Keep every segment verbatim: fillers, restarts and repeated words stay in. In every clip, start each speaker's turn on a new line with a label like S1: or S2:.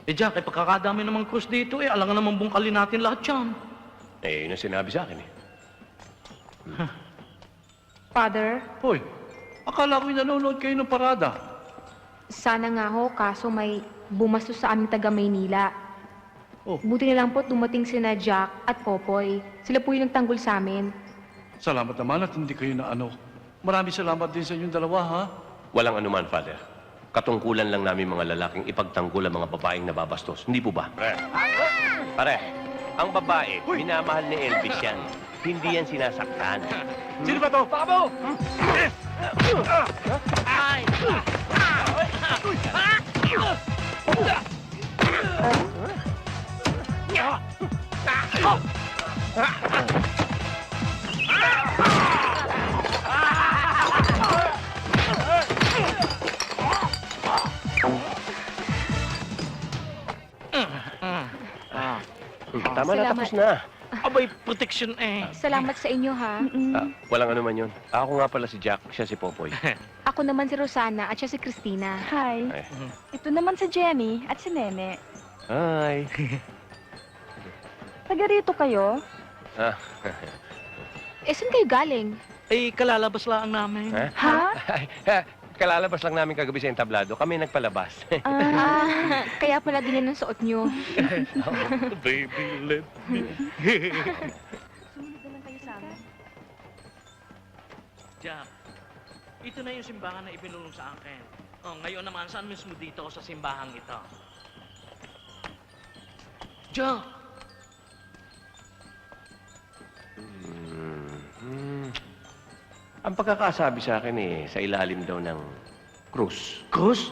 S1: Eh, Jack, eh, pagkakadami namang krus dito, eh, alangan naman bungkalin natin lahat yan.
S2: Eh, yun ang sinabi sa akin eh.
S3: Father,
S1: Hoy, akala ko'y nanonood kayo ng parada.
S3: sana nga ho, kaso may bumastos sa aming taga Maynila.
S1: Oh,
S3: Buti na lang po dumating sina Jack at Popoy. Sila po yung nagtanggol sa amin.
S1: salamat naman at hindi kayo na ano. Maraming salamat din sa inyong dalawa, ha?
S2: Walang anuman, Father. Katungkulan lang namin mga lalaking ipagtanggol ang mga babaeng nababastos. Hindi po ba? Pare. Pare, ang babae, minamahal ni Elvis yan. Hindi yan sinasaktan.
S1: Sino ba to? Pabo!
S2: Ay! Tama na,
S3: Salamat.
S2: tapos na.
S1: Abay, protection eh.
S3: Salamat sa inyo, ha?
S2: Ah, walang anuman yun. Ako nga pala si Jack, siya si Popoy.
S3: Ako naman si Rosana at siya si Christina.
S4: Hi.
S2: Ay.
S4: Ito naman si Jenny at si Nene.
S2: Hi.
S4: Taga rito kayo?
S2: Ah,
S3: Eh, saan kayo galing?
S1: Eh, kalalabas lang namin.
S2: ha?
S4: Ha?
S2: Ay, ah, kalalabas lang namin kagabi sa entablado. Kami nagpalabas.
S4: Ah,
S3: Ah, kaya pala ganyan ang suot nyo.
S1: Baby, let me.
S4: sumunod na lang kayo sa amin.
S1: Jack, ito na yung simbahan na ibinulong sa akin. Oh, ngayon naman, saan mismo dito sa simbahang ito? Jack!
S2: Hmm. Ang pagkakasabi sa akin eh, sa ilalim daw ng krus.
S1: Cruz?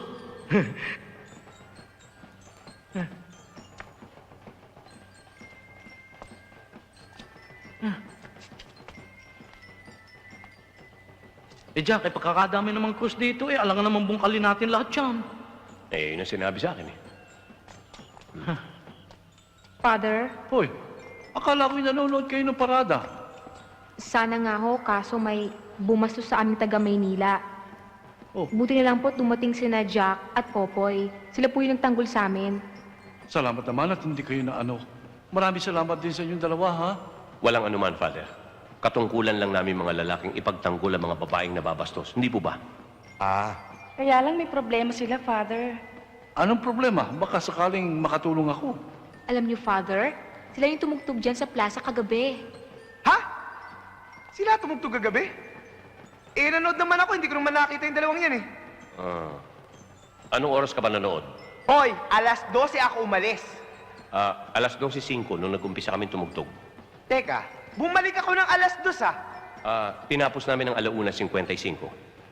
S1: Eh, Jack, eh, pagkakadami namang krus dito, eh, alangan naman bungkalin natin lahat yan.
S2: Eh, yun ang sinabi sa akin eh.
S3: Father,
S1: Hoy, akala ko'y nanonood kayo ng parada.
S3: sana nga ho, kaso may bumastos sa aming taga Maynila.
S1: Oh,
S3: Buti na lang po dumating sina Jack at Popoy. Sila po yung nagtanggol sa amin.
S1: salamat naman at hindi kayo na ano. Maraming salamat din sa inyong dalawa, ha?
S2: Walang anuman, Father. Katungkulan lang namin mga lalaking ipagtanggol ang mga babaeng nababastos. Hindi po ba?
S1: Ah.
S4: Kaya lang may problema sila, Father.
S1: Anong problema? Baka sakaling makatulong ako.
S3: Alam niyo, Father, sila yung tumugtog dyan sa plaza kagabi.
S5: Ha? Sila tumugtog kagabi? Eh, nanood naman ako. Hindi ko naman nakita yung dalawang yan eh.
S2: Ah. Anong oras ka ba nanood?
S5: Hoy, alas dose ako umalis.
S2: Ah, alas dose singko nung nag-umpisa kami tumugtog.
S5: Teka, bumalik ako ng alas dos ah.
S2: Ah, tinapos namin ng alauna fifty-five.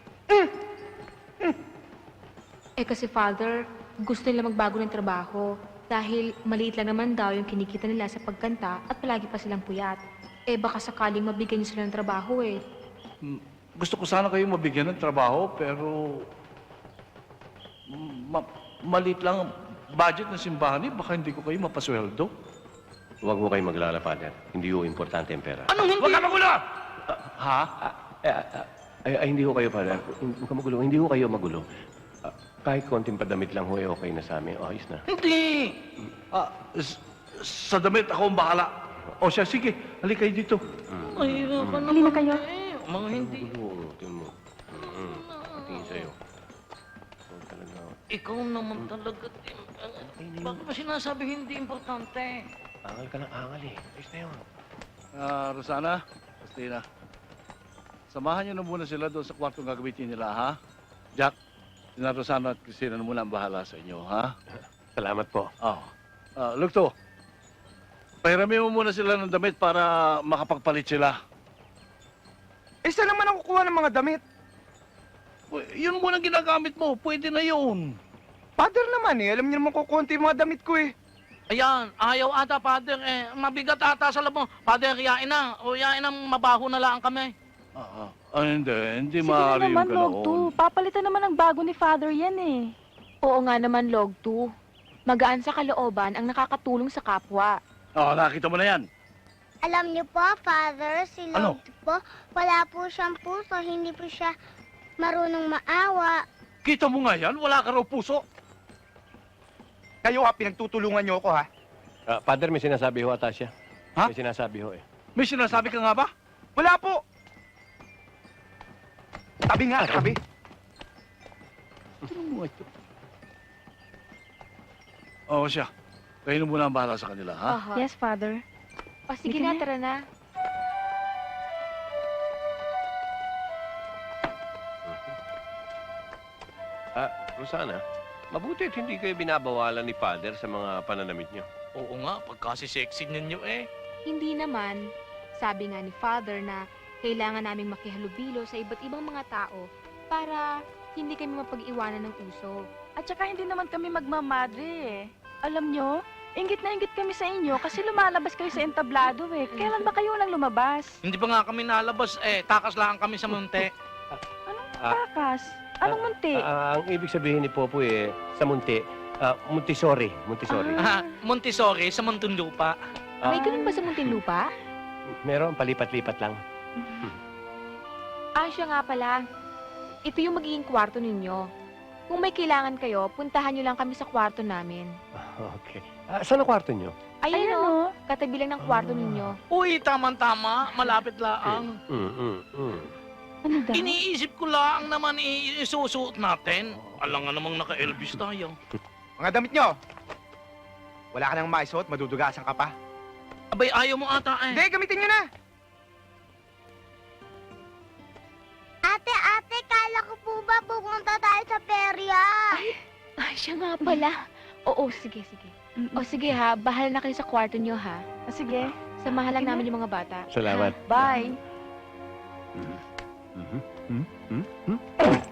S3: Eh kasi, Father, gusto nila magbago ng trabaho. Dahil maliit lang naman daw yung kinikita nila sa pagkanta at palagi pa silang puyat. Eh baka sakaling mabigyan niyo sila ng trabaho eh.
S1: Mm, Gusto ko sana kayo mabigyan ng trabaho, pero... mm, Ma maliit lang ang budget ng simbahan eh. Baka hindi ko kayo mapasweldo.
S2: Huwag mo kayong maglala, Father. Hindi ho importante ang pera.
S1: Anong hindi? Huwag ka magulo! ha?
S2: Ah, eh, ah, ay, ay, hindi ho kayo, Father. Huwag ka magulo. Hindi ho kayo magulo. Ah, kahit konting padamit lang ho, eh, okay na sa amin. Oh, ayos na.
S1: Hindi! Ah, s- sa damit ako ang bahala. O siya, sige. Halika kayo dito. Ay, ka
S4: Halina kayo.
S1: Eh. Mga hindi.
S2: Magulo, tingin mo. Mm, tingin sa'yo. Huwag talaga.
S1: Ikaw naman talaga. Tim. Bakit ba sinasabi hindi importante?
S2: Angal ka ng angal eh. Ayos na yun.
S1: Ah, Rosana, Christina. Samahan niyo na muna sila doon sa kwartong gagamitin nila, ha? Jack, sina Rosana at Christina na muna ang bahala sa inyo, ha?
S2: Salamat po.
S1: Oh. Ah, Lugto, pahiramin mo muna sila ng damit para makapagpalit sila.
S5: Eh, saan naman ako kukuha ng mga damit?
S1: Uy, yun muna ginagamit mo. Pwede na yun.
S5: Father naman eh. Alam niyo naman kukunti yung mga damit ko eh.
S6: Ayan, ayaw ata, Father. Eh, mabigat ata sa labo. Father, yain na. O yain na, mabaho na lang kami.
S1: Ah, ah. Ah, hindi. Hindi
S4: Sige na
S1: maaari yung
S4: naman, Log
S1: ganoon.
S4: two. Papalitan naman ng bago ni Father yan eh.
S3: Oo nga naman, Log two. Magaan sa kalooban ang nakakatulong sa kapwa.
S1: Oh, nakita mo na yan.
S7: Alam niyo po, Father, si
S1: Ano?
S7: Lord po, wala po siyang puso, hindi po siya marunong maawa.
S1: Kita mo nga yan, wala ka raw puso.
S5: Kayo ha, pinagtutulungan niyo ako ha.
S2: Ah, Father, may sinasabi ho ata siya.
S1: Ha?
S2: May sinasabi ho eh.
S1: May sinasabi ka nga ba?
S5: Wala po. Tabi nga, tabi.
S1: Ano mo ito? Oo siya. Kayo na muna ang bahala sa kanila, ha?
S3: Aha.
S4: Yes, Father.
S3: O sige
S4: Sige
S3: na,
S4: na.
S3: tara na.
S2: Ah, Rosana, mabuti at hindi kayo binabawalan ni Father sa mga pananamit niyo.
S6: Oo nga, pagkasi-sexy ninyo eh.
S3: Hindi naman. Sabi nga ni Father na kailangan naming makihalubilo sa iba't ibang mga tao para hindi kami mapag-iwanan ng uso.
S4: At saka hindi naman kami magmamadre eh. Alam nyo, inggit na inggit kami sa inyo kasi lumalabas kayo sa entablado eh. Kailan ba kayo lang lumabas?
S6: Hindi pa nga kami nalabas eh. Takas lang kami sa munti.
S2: Ah.
S4: Takas. Anong munti?
S2: Ah, ang ibig sabihin ni Popoy eh, sa munti, ah, Montessori. Montessori.
S6: Ah, Montessori sa Muntinlupa.
S2: Ah.
S3: May ganun ba sa Muntinlupa?
S2: Meron, palipat-lipat lang.
S3: Ah, siya nga pala. Ito yung magiging kwarto ninyo. Kung may kailangan kayo, puntahan nyo lang kami sa kwarto namin.
S2: Okay. Ah, saan ang kwarto niyo?
S3: Ayun
S4: Ayun
S3: o,
S4: o.
S3: katabi lang ng kwarto ninyo.
S6: Uy, tama-tama. Malapit lang.
S2: Mm, mm, mm.
S4: Ano daw?
S6: Iniisip ko lang naman i- isusuot natin. Alam nga namang naka-Elvis tayo.
S5: Mga damit niyo. Wala ka nang maisuot, madudugasan ka pa.
S6: Abay, ayaw mo ata eh.
S5: Hindi, gamitin niyo na.
S7: Ate, ate, kala ko po ba pupunta tayo sa perya?
S3: Ay, siya nga pala. Oo, sige, sige.
S4: Mm-mm.
S3: O sige ha, bahala na kayo sa kwarto nyo ha.
S4: Ah, sige.
S3: Samahan lang
S4: Sige.
S3: namin yung mga bata.
S2: Salamat.
S4: Bye.
S2: Mhm. Mhm. Mhm.